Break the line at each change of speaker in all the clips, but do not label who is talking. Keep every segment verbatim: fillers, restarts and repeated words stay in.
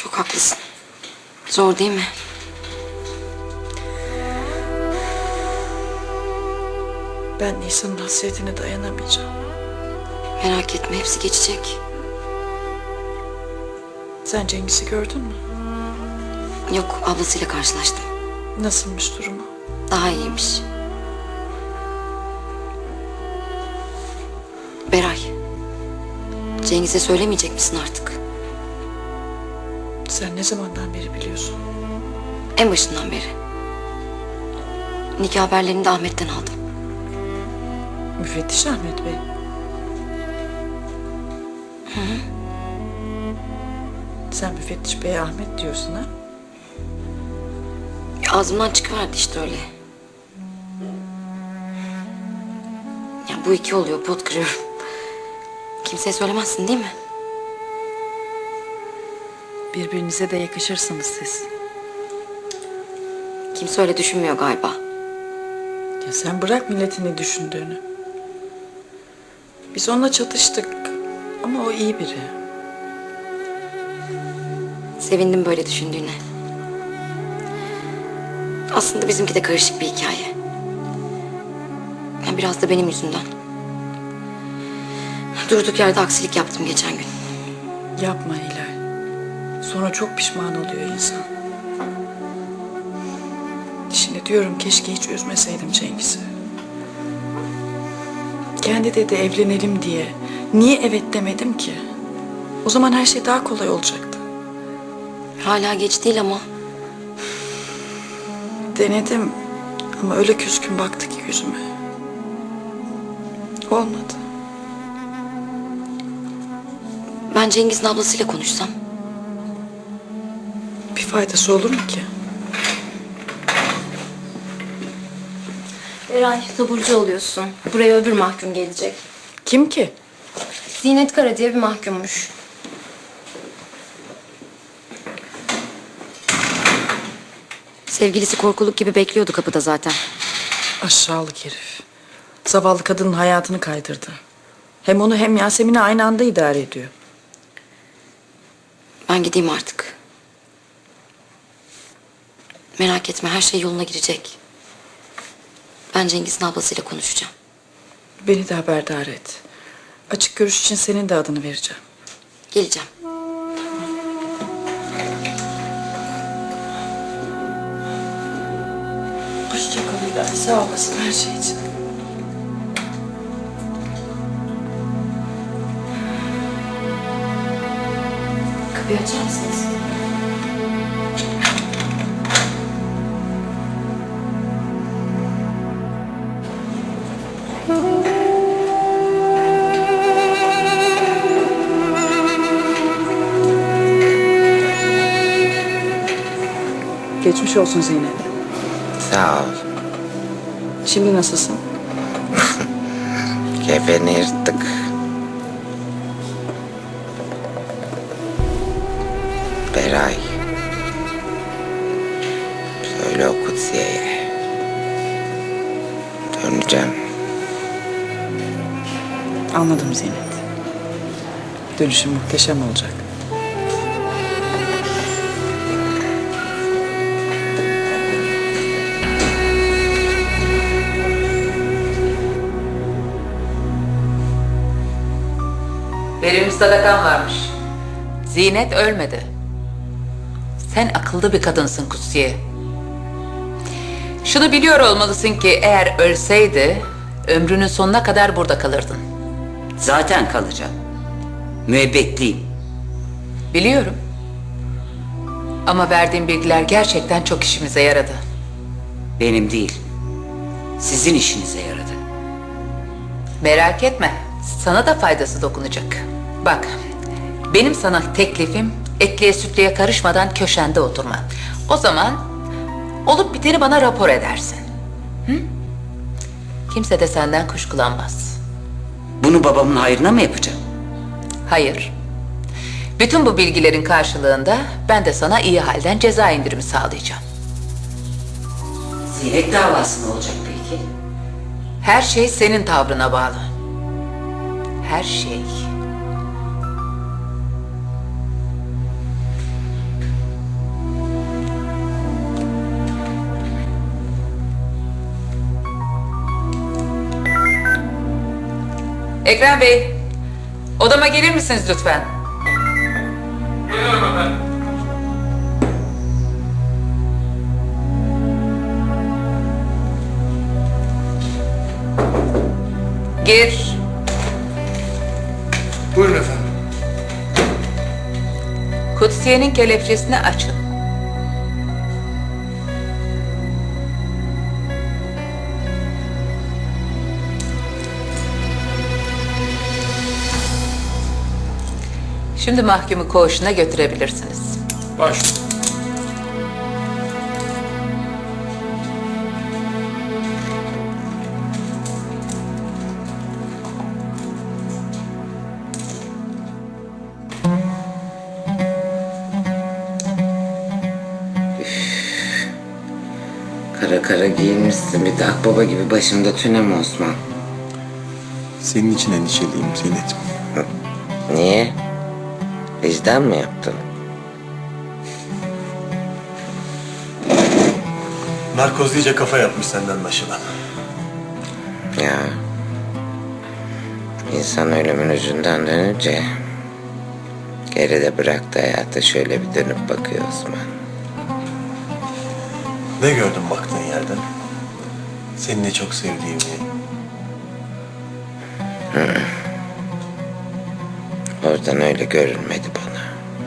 Çok haklısın. Zor değil mi?
Ben Nisan'ın hasretine dayanamayacağım.
Merak etme, hepsi geçecek.
Sen Cengiz'i gördün mü?
Yok, ablasıyla karşılaştım.
Nasılmış durumu?
Daha iyiymiş. Beray, Cengiz'e söylemeyecek misin artık?
Sen ne zamandan beri biliyorsun?
En başından beri. Nikah haberlerini de Ahmet'ten aldım.
Müfettiş Ahmet Bey.
Hı hı.
Sen müfettiş Bey Ahmet diyorsun ha?
Ağzımdan çıkıverdi işte öyle. Ya bu iki oluyor, pot kırıyorum. Kimseye söylemezsin değil mi?
Birbirinize de yakışırsınız siz.
Kimse öyle düşünmüyor galiba.
Ya sen bırak milletin ne düşündüğünü. Biz onunla çatıştık ama o iyi biri.
Sevindim böyle düşündüğüne. Aslında bizimki de karışık bir hikaye. Yani biraz da benim yüzümden. Durduk yerde aksilik yaptım geçen gün.
Yapma Hilal. Sonra çok pişman oluyor insan. Şimdi diyorum keşke hiç üzmeseydim Cengiz'i. Kendi dedi evlenelim diye. Niye evet demedim ki? O zaman her şey daha kolay olacaktı.
Hala geç değil ama.
Denedim ama öyle küskün baktı ki yüzüme. Olmadı.
Ben Cengiz'in ablasıyla konuşsam.
Bir faydası olur mu ki?
Eray, taburcu oluyorsun. Buraya öbür mahkum gelecek.
Kim ki?
Zinet Kara diye bir mahkummuş.
Sevgilisi korkuluk gibi bekliyordu kapıda zaten.
Aşağılık herif. Zavallı kadının hayatını kaydırdı. Hem onu hem Yasemin'i aynı anda idare ediyor.
Ben gideyim artık. Merak etme, her şey yoluna girecek. Ben Cengiz'in ablasıyla konuşacağım.
Beni de haberdar et. Açık görüş için senin de adını vereceğim.
Geleceğim.
Hoşça kal Hilal. Sağ olasın her şey için.
Kapıyı açar mısınız?
Geçmiş olsun Zeynep.
Sağ ol.
Şimdi nasılsın?
Kefeni yırttık. Beray. Söyle o Kutsiye'ye. Döneceğim.
Anladım Zeynep. Dönüşüm muhteşem olacak.
Verilmiş sadakan varmış. Zinet ölmedi. Sen akıllı bir kadınsın Kutsiye. Şunu biliyor olmalısın ki eğer ölseydi ömrünün sonuna kadar burada kalırdın.
Zaten kalacağım. Müebbetliyim.
Biliyorum. Ama verdiğin bilgiler gerçekten çok işimize yaradı.
Benim değil. Sizin işinize yaradı.
Merak etme. Sana da faydası dokunacak. Bak, benim sana teklifim etliye sütlüye karışmadan köşende oturma. O zaman olup biteni bana rapor edersin. Hı? Kimse de senden kuşkulanmaz.
Bunu babamın hayrına mı yapacağım?
Hayır. Bütün bu bilgilerin karşılığında ben de sana iyi halden ceza indirimi sağlayacağım.
Zinet davası ne olacak peki?
Her şey senin tavrına bağlı. Her şey. Ekrem Bey, odama gelir misiniz lütfen?
Geliyorum efendim.
Gir.
Buyurun efendim.
Kutsiye'nin kelepçesini açın. Şimdi mahkumu koğuşuna götürebilirsiniz.
Baş.
Kara kara giyinmişsin bir de akbaba gibi başımda tünem Osman.
Senin için endişeliyim Zeynep.
Niye? Vicdan mı yaptın?
Narkoz iyice kafa yapmış senden anlaşılan.
Ya. İnsan ölümün ucundan dönünce geride bıraktı hayata şöyle bir dönüp bakıyor Osman.
Ne gördün baktığın yerden? Seni ne çok sevdiğimi.
Oradan öyle görünmedi bana.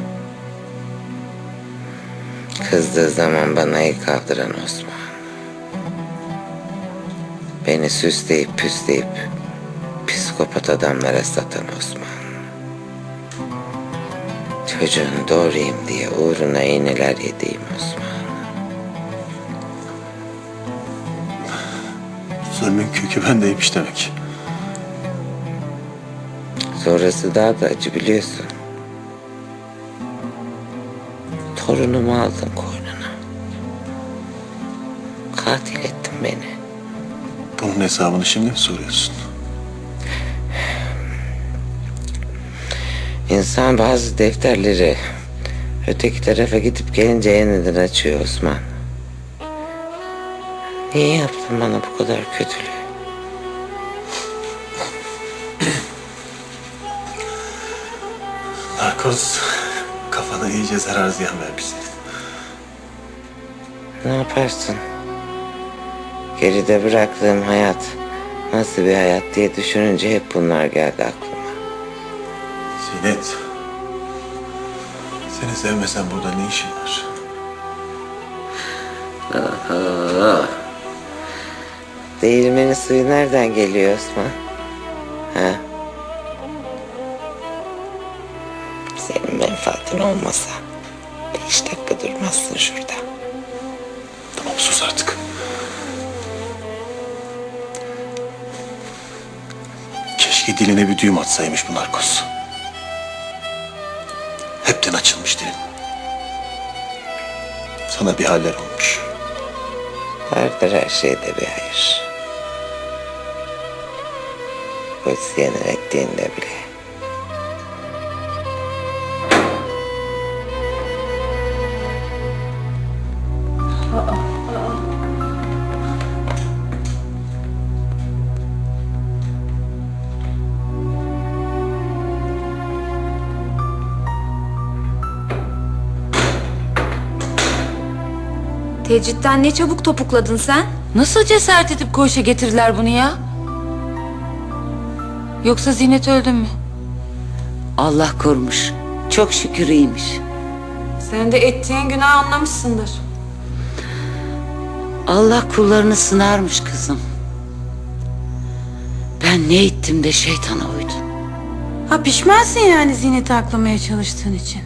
Kızdığı zaman bana el kaldıran Osman. Beni süsleyip püsleyip psikopat adamlara satan Osman. Çocuğunu doğurayım diye uğruna iğneler yediğim Osman.
Zulmün kökü bendeymiş demek.
Sonrası daha da acı biliyorsun. Torunumu aldın koynuna. Katil ettin beni.
Bunun hesabını şimdi mi soruyorsun?
İnsan bazı defterleri öteki tarafa gidip gelince yeniden açıyor Osman. Niye yaptın bana bu kadar kötülüğü?
Narkoz kafana iyice zarar ziyan vermiş.
Ne yaparsın? Geride bıraktığım hayat nasıl bir hayat diye düşününce hep bunlar geldi aklıma.
Zinet. Seni sevmesen burada ne işin var?
Aa, değirmenin suyu nereden geliyor Osman? Ha? Senin menfaatin olmasa beş dakika durmazsın şurada.
Tamam sus artık. Keşke diline bir düğüm atsaymış bu narkoz. Hepten açılmış dilin. Sana bir haller olmuş.
Vardır her şeyde bir hayır. Kutsiye'nin ettiğinde bile.
Tecritten ne çabuk topukladın sen?
Nasıl cesaret edip koğuşa getirdiler bunu ya? Yoksa Zinet öldü mü?
Allah korumuş. Çok şükür iyiymiş.
Sen de ettiğin günah anlamışsındır.
Allah kullarını sınarmış kızım. Ben ne ettim de şeytana uydum.
Ha pişmansın yani Zinet'i aklamaya çalıştığın için.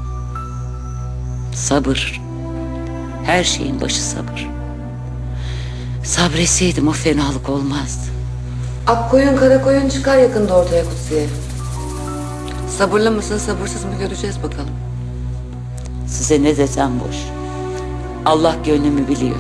Sabır. Her şeyin başı sabır. Sabretseydim o fenalık olmazdı.
Akkoyun kara koyun çıkar yakında ortaya Kutsiye. Sabırlı mısın sabırsız mı göreceğiz bakalım.
Size ne desem boş. Allah gönlümü biliyor.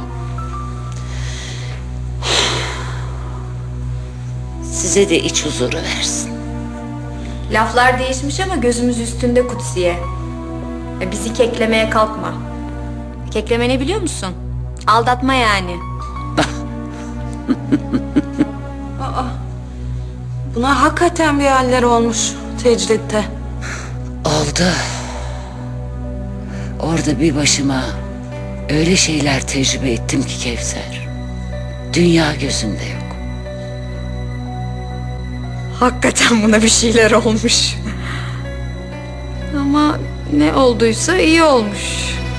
Size de iç huzuru versin.
Laflar değişmiş ama gözümüz üstünde Kutsiye. E, bizi keklemeye kalkma. Kekleme ne biliyor musun? Aldatma yani.
Buna hakikaten bir haller olmuş tecritte.
Oldu. Orada bir başıma öyle şeyler tecrübe ettim ki Kevser. Dünya gözünde yok.
Hakikaten buna bir şeyler olmuş. Ama ne olduysa iyi olmuş.